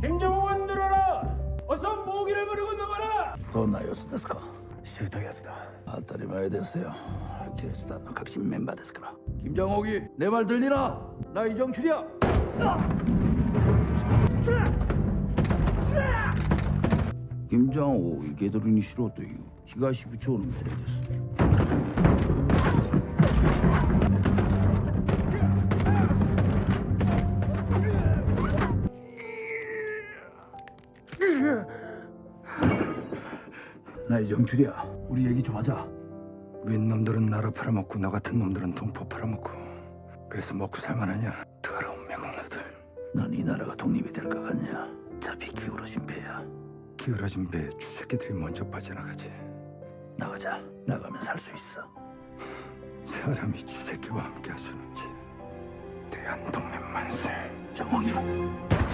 김정호원 들어라. 어서 모기를 부리고 나가라. どんな様子ですか。 シュートやつだ。 当たり前ですよ。キリシタンの革新メンバーですから。 김정옥이 내 말 들리나? 나 이정출이야. 김정옥이 개돌이니 싫어という東部長の命令です。 나 이정출이야. 우리 얘기 좀 하자. 윗놈들은 나라 팔아먹고 나 같은 놈들은 동포 팔아먹고 그래서 먹고 살만하냐? 더러운 매국노들. 넌 이 나라가 독립이 될 것 같냐? 잡이 기울어진 배야. 기울어진 배에 쥐새끼들이 먼저 빠져나가지. 나가자. 나가면 살 수 있어. 사람이 쥐새끼와 함께 할 순 없지. 대한독립 만세. 정옥이